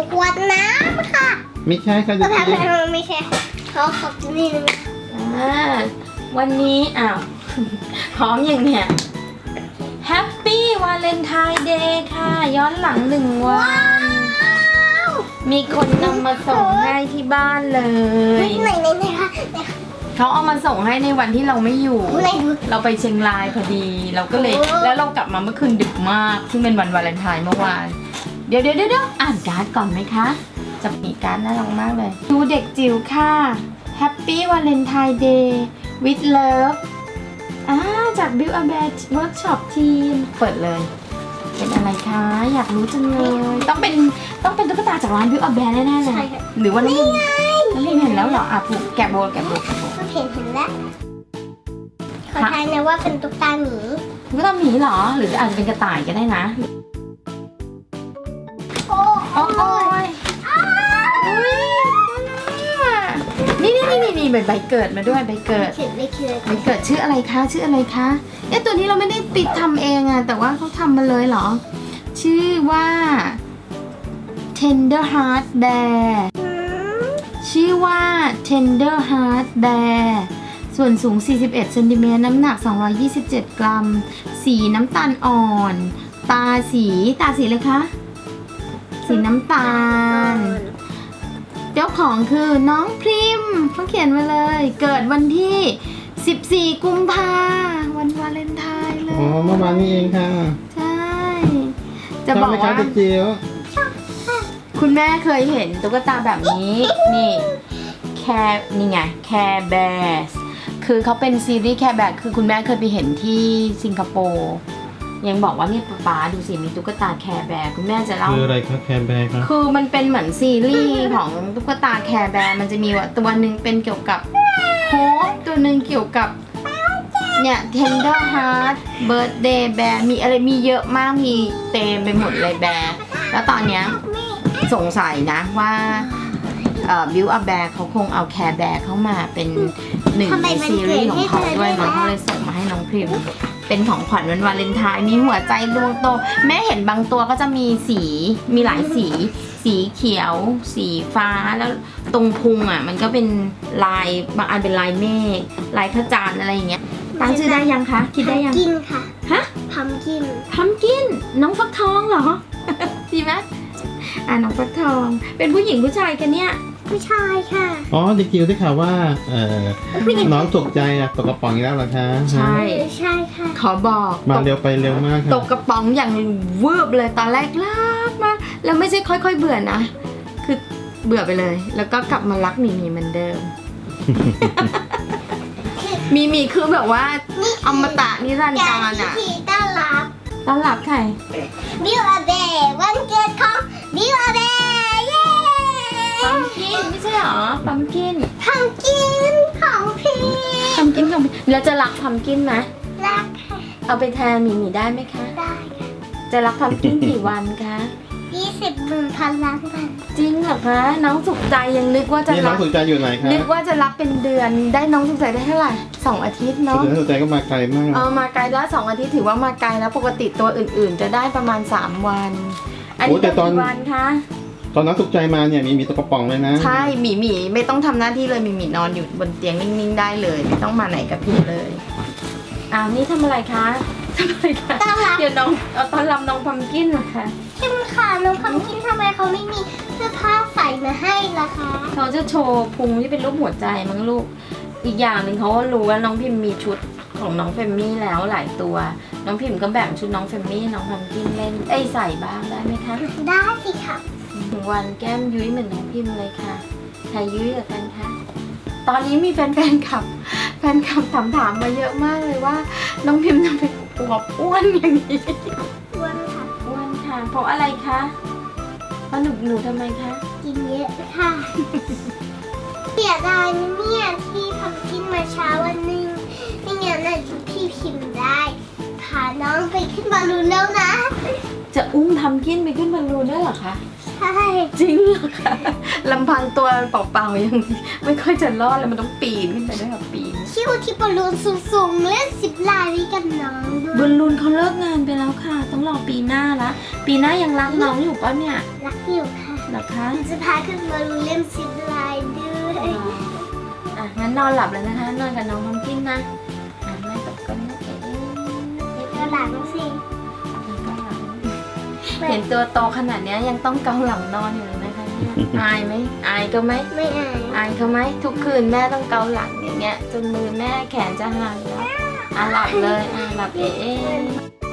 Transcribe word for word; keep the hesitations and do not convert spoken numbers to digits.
ขวดน้ำค่ะไม่ใช่ค่ะก็เด็กทำจิ๋วไม่ใช่เขาขอบนี่นึงอ่าวันนี้อ้าว พร้อมอย่างเนี้ย Happy Valentine Day ค่ะ ย้อนหลังหนึ่งวัน มีคนนำมาส่งให้ที่บ้านเลยไหนไหนไหนคะไหนคะเขาเอามาส่งให้ในวันที่เราไม่อยู่ไหนดูเราไปเชียงรายพอดี เราก็เลยโอ้แล้วเรากลับมาเมื่อคืนดึกมาก ซึ่งเป็นวันวาเลนไทน์เมื่อวาน เดี๋ยวเดี๋ยวเดี๋ยวอ่านการ์ดก่อนไหมคะ จะมีการ์ดน่ารักมากเลย ดูเด็กจิ๋วค่ะ Happy Valentine Day with Love อ่าจาก Build a Bear Workshop Team เปิดเลย เป็นอะไรคะ อยากรู้จังเลย ต้องเป็นต้องเป็นตุ๊กตาจากร้าน Build a Bear แน่ๆเลใช่ยค่ะหรือว่าน้องพิมน้องพิมเห็นแล้วเหรออ่ะผูกแกะโบแกะโบแกะโบก็เห็นเห็นแล้วขอทายนะว่าเป็นตุ๊กตาหมีตุ๊กตาหมีเหรอ หรืออาจจะเป็นกระต่ายก็ได้นะโอ้โอ้โอ้ยอุ๊ยนี่นี่นี่นี่ใบใบเกิดมาด้วยใบเกิดเขียนไม่เขียนใบเกิดชื่ออะไรคะชื่ออะไรคะเอ๊ะตัวนี้เราไม่ได้ติดทำเองอะแต่ว่าเขาทำมาเลยเหรอ ชื่อว่า Tender Heart Bear ชื่อว่า Tender Heart Bear ส่วนสูง สี่สิบเอ็ดเซนติเมตรน้ำหนัก สองร้อยยี่สิบเจ็ด กรัม สีน้ำตาลอ่อน ตาสีตาสีอะไรคะ สีน้ำตาล เจ้าของคือน้องพริมเขาเขียนมาเลย เกิดวันที่ สิบสี่ กุมภาวันวาเลนไทน์เลอ๋อย เมื่อวานนี้เองค่ะใช่ จะบอกชไหมคะว่าเด็กจิ๋วคุณแม่เคยเห็นตุ๊กตาแบบนี้ นี่แคร์นี่ไงแคร์แบร์คือเขาเป็นซีรีส์แคร์แบร์คือคุณแม่เคยไปเห็นที่สิงคโปร์ยังบอกว่านี่ป๊าดูสิมีตุ๊กตาแคร์แบร์คุณแม่จะเล่าคืออะไรคะแคร์แบร์ครับคือมันเป็นเหมือนซีรีส์ของตุ๊กตาแคร์แบร์มันจะมีว่าตัวหนึ่งเป็นเกี่ยวกับโฮปตัวหนึ่งเกี่ยวกับเนี่ย Tender Heart Birthday Bear มีอะไรมีเยอะมากมีเต็มไปหมดเลยแบร์แล้วตอนเนี้ยสงสัยนะว่าเอ่อ Build a Bear เขาคงเอาแคร์แบร์เข้ามาเป็นหนึ่งในซีรีส์ของเขาด้วยมันเขาเลยส่งมาให้น้องพริมเป็นของขวัญวันวาเลนไทน์มีหัวใจดวงโตแม่เห็นบางตัวก็จะมีสีมีหลายสี สีเขียว สีฟ้าแล้วตรงพุงอ่ะ มันก็เป็นลายบางอันเป็นลายเมฆลายพระจันทร์อะไรอย่างเงี้ยตั้งชื่อได้ยังคะคิดได้ยังกินค่ะฮะพัมกินพัมกินน้องฟักทองเหรอ ดีไหมอ่าน้องฟักทอง เป็นผู้หญิงผู้ชายกันเนี่ยผู้ชายค่ะอ๋อเด็กจิ๋วได้ข่าวว่าเอ่อน้องตกใจอะตกกระป๋องอีกแล้วเหรอคะใช่ใช่ค่ะขอบอกมาตกเร็วไปเร็วมากค่ะตกกระป๋องอย่างวืบเลยตอนแรกรักมากแล้วไม่ใช่ค่อยๆเบื่อนะ คือเบื่อไปเลย แล้วก็กลับมารักหมีหมีเหมือนเดิม มีหมีคือแบบว่าอมตะนิรันดร์การอ่ะที่ต้อนรับต้อนรับใครบิวอาเบวันเกิดของบิวอาเบเย้ปัมกินไม่ใช่หรอปัมกินพัมกินของพี่ปัมกินของแล้วจะรักปัมกินไหมรักค่ะเอาไปแทนหมีหมีได้ไหมคะได้ค่ะจะรักปัมกินกี่วันคะยี่สิบหมื่นพันล้านพันจริงเหรอคะน้องสุขใจยังนึกว่าจะนี่น้รัองกสุขใจอยู่ไหนคะนึกว่าจะรักเป็นเดือนได้น้องสุขใจได้เท่าไหร่สองอาทิตย์เนาะสุขใจสุขใจก็มาไกลมากเอามาไกลแล้วสองอาทิตย์ถือว่ามาไกลแล้วปกติตัวอื่นๆ จะได้ประมาณสามวัน อันนี้เป็นกี่วันคะตอนน้องสุขใจมาเนี่ยมีมีตกกระป๋องเลยนะใช่หมีหมีไม่ต้องทำหน้าที่เลยหมีหมีนอนอยู่บนเตียงนิ่งๆได้เลย ไม่ต้องมาไหนกับพี่เลยอ้าวนี่ทำอะไรคะทำอะไรคะต้อนรับเดี๋ยวน้องเอาตอนรับน้องพัมกินเหรอคะเข้มค่ะน้องพัมกินทำไมเขาไม่มีเสื้อผ้าใส่มาให้ล่ะคะเขาจะโชว์พุงที่เป็นรูปหัวใจมั้งลูกอีกอย่างหนึ่งเขาก็รู้ว่าน้องพิมมีชุดของน้องเฟมมี่แล้วหลายตัว น้องพิมก็แบ่งชุดน้องเฟมมี่น้องพัมกินเล่นเอ้ยใส่บ้างได้ไหมคะได้สิค่ะถึงวันแก้มยุ้ยเหมือนน้องพิมเลยค่ะใครยุ้ยกับกันคะตอนนี้มีแฟนๆขับแฟนคลับถามถามมาเยอะมากเลยว่า น้องพิมทำไมอวบอ้วนอย่างนี้อ้วนค่ะอ้วนค่ะเพราะอะไรคะเพราะหนูหนูทำไมคะกินเยอะค่ะ เสียดายนะเนี่ยที่พัมกินมาเช้าวันหนึงไม่งั้นน่ะพี่พิมพ์ได้พาน้องไปขึ้นบอลลูนแล้วนะจะอุ้มทำกินไปขึ้นบอลลูนได้เหรอคะใช่จริงเหรอคะลำพังตัวเปล่าๆยังไม่ค่อยจะรอดเลยมันต้องปีนขึ้นไปด้วยค่ะปีนคิวที่บอลลูนสูงๆเล่นสิบลายนี้กับน้องด้บวอย ลลูนเขาเลิกงานไปแล้วค่ะ ต้องรอปีหน้าละปีหน้ายังรักน้องอยู่ปะเนี่ยรักอยู่ค่ะเหรอคะจะพาขึ้นมาดูเล่มซิปไลน์ด้วยอ่ะงั้นนอนหลับเลยนะคะ นอนกับน้องพัมกินนะอ่ะแม่ตบกันนะเอ๋ก็หลังสิเห็นตัวโตขนาดเนี้ยยังต้องเกาหลังนอนอยู่เลยนะคะเนี่ยอายไหมอายก็ไหมไม่อายอายเขาไหมทุกคืนแม่ต้องเกาหลังอย่างเงี้ยจนมือแม่แขนจะหักแล้วอ่ะหลับเลยอ่ะหลับเอ๋